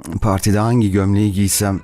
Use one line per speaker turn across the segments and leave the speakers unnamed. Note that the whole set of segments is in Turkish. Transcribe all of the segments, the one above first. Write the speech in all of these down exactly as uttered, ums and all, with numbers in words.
Partide hangi gömleği giysem?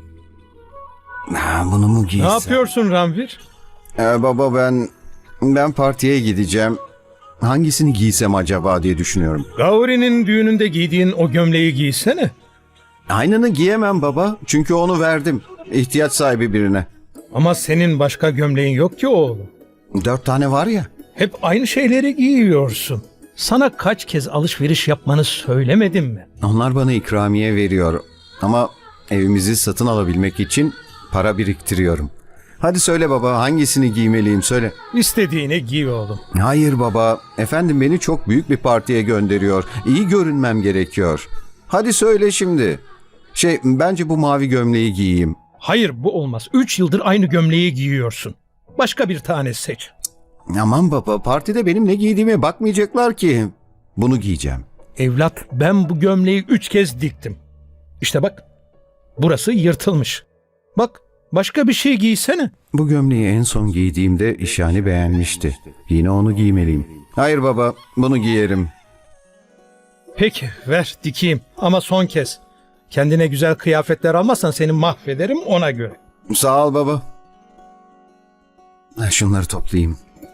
Ha, bunu mu giysem?
Ne yapıyorsun Ranvir?
Ee, baba ben ben partiye gideceğim. Hangisini giysem acaba diye düşünüyorum.
Gauri'nin düğününde giydiğin o gömleği giysene.
Aynını giyemem baba. Çünkü onu verdim. İhtiyaç sahibi birine.
Ama senin başka gömleğin yok ki oğlum.
Dört tane var ya.
Hep aynı şeyleri giyiyorsun. Sana kaç kez alışveriş yapmanı söylemedim mi?
Onlar bana ikramiye veriyor. Ama evimizi satın alabilmek için para biriktiriyorum. Hadi söyle baba, hangisini giymeliyim söyle.
İstediğini giy oğlum.
Hayır baba. Efendim beni çok büyük bir partiye gönderiyor. İyi görünmem gerekiyor. Hadi söyle şimdi. Şey, bence bu mavi gömleği giyeyim.
Hayır, bu olmaz. Üç yıldır aynı gömleği giyiyorsun. Başka bir tane seç.
Aman baba, partide benim ne giydiğime bakmayacaklar ki. Bunu giyeceğim.
Evlat, ben bu gömleği üç kez diktim. İşte bak, burası yırtılmış. Bak, başka bir şey giysene.
Bu gömleği en son giydiğimde İşani beğenmişti. Yine onu giymeliyim. Hayır baba, bunu giyerim.
Peki, ver dikeyim ama son kez. Kendine güzel kıyafetler almazsan seni mahvederim, ona göre.
Sağ ol baba. Şunları toplayayım.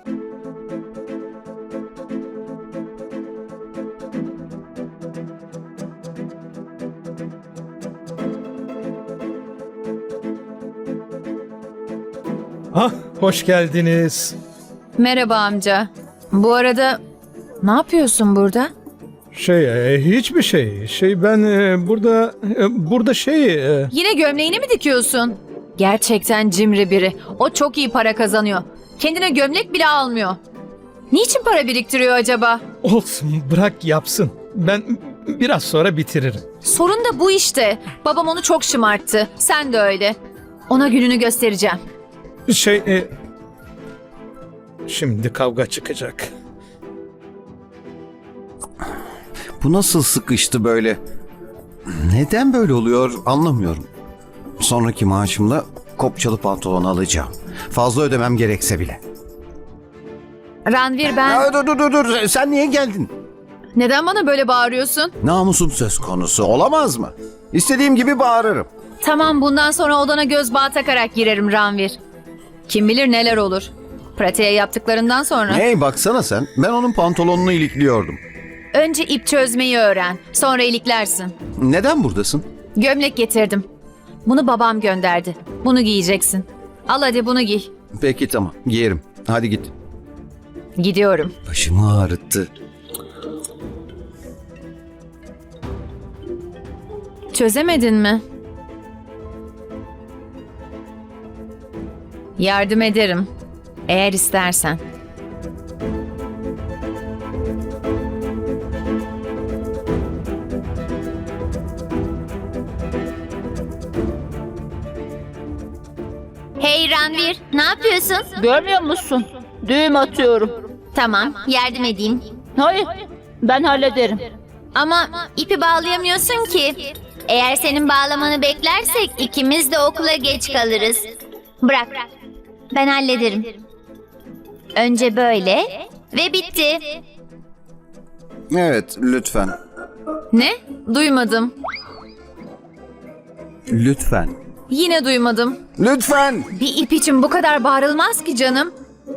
Ah, hoş geldiniz.
Merhaba amca. Bu arada ne yapıyorsun burada?
Şey, e, hiçbir şey. Şey ben e, burada e, burada şey e,
Yine gömleğini mi dikiyorsun? Gerçekten cimri biri. O çok iyi para kazanıyor. Kendine gömlek bile almıyor. Niçin para biriktiriyor acaba?
olsun, bırak yapsın. Ben biraz sonra bitiririm.
Sorun da bu işte. Babam onu çok şımarttı. Sen de öyle. Ona gününü göstereceğim.
Şey e, şimdi kavga çıkacak.
Bu nasıl sıkıştı böyle? Neden böyle oluyor anlamıyorum. Sonraki maaşımla kopçalı pantolon alacağım. Fazla ödemem gerekse bile.
Ranvir ben...
Ya, dur dur dur dur. Sen niye geldin?
Neden bana böyle bağırıyorsun?
Namusum söz konusu olamaz mı? İstediğim gibi bağırırım.
Tamam, bundan sonra odana göz bağı takarak girerim Ranvir. Kim bilir neler olur. Pratiğe yaptıklarından sonra.
Hey baksana sen. Ben onun pantolonunu ilikliyordum.
Önce ip çözmeyi öğren. Sonra iliklersin.
Neden buradasın?
Gömlek getirdim. Bunu babam gönderdi. Bunu giyeceksin. Al hadi bunu giy.
Peki tamam giyerim. Hadi git.
Gidiyorum.
Başımı ağrıttı.
Çözemedin mi? Yardım ederim. Eğer istersen.
Hey Ranvir, ne yapıyorsun?
Görmüyor musun? Düğüm atıyorum.
Tamam, yardım edeyim.
Hayır, ben hallederim.
Ama ipi bağlayamıyorsun ki. Eğer senin bağlamanı beklersek ikimiz de okula geç kalırız. Bırak, ben hallederim. Önce böyle ve bitti.
Evet lütfen.
Ne? Duymadım.
Lütfen.
Yine duymadım.
Lütfen.
Bir ip için bu kadar bağırılmaz ki canım.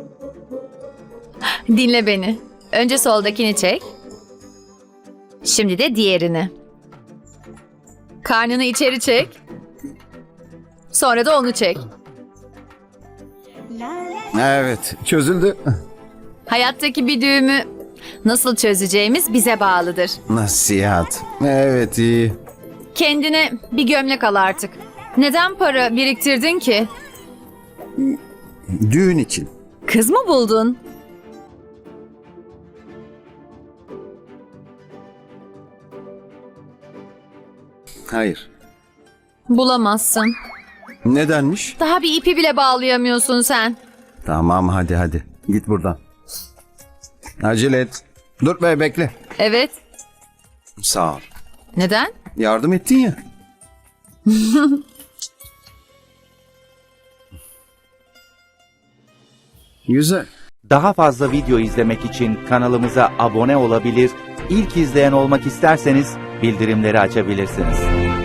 Dinle beni. Önce soldakini çek. Şimdi de diğerini. Karnını içeri çek. Sonra da onu çek.
Evet çözüldü.
Hayattaki bir düğümü nasıl çözeceğimiz bize bağlıdır.
Nasihat. Evet iyi.
Kendine bir gömlek al artık. Neden para biriktirdin ki?
Düğün için.
Kız mı buldun?
Hayır.
Bulamazsın.
Nedenmiş?
Daha bir ipi bile bağlayamıyorsun sen.
Tamam hadi hadi. Git buradan. Acele et. Dur be bekle.
Evet.
Sağ ol.
Neden?
Yardım ettin ya. Güzel.
Daha fazla video izlemek için kanalımıza abone olabilir, ilk izleyen olmak isterseniz bildirimleri açabilirsiniz.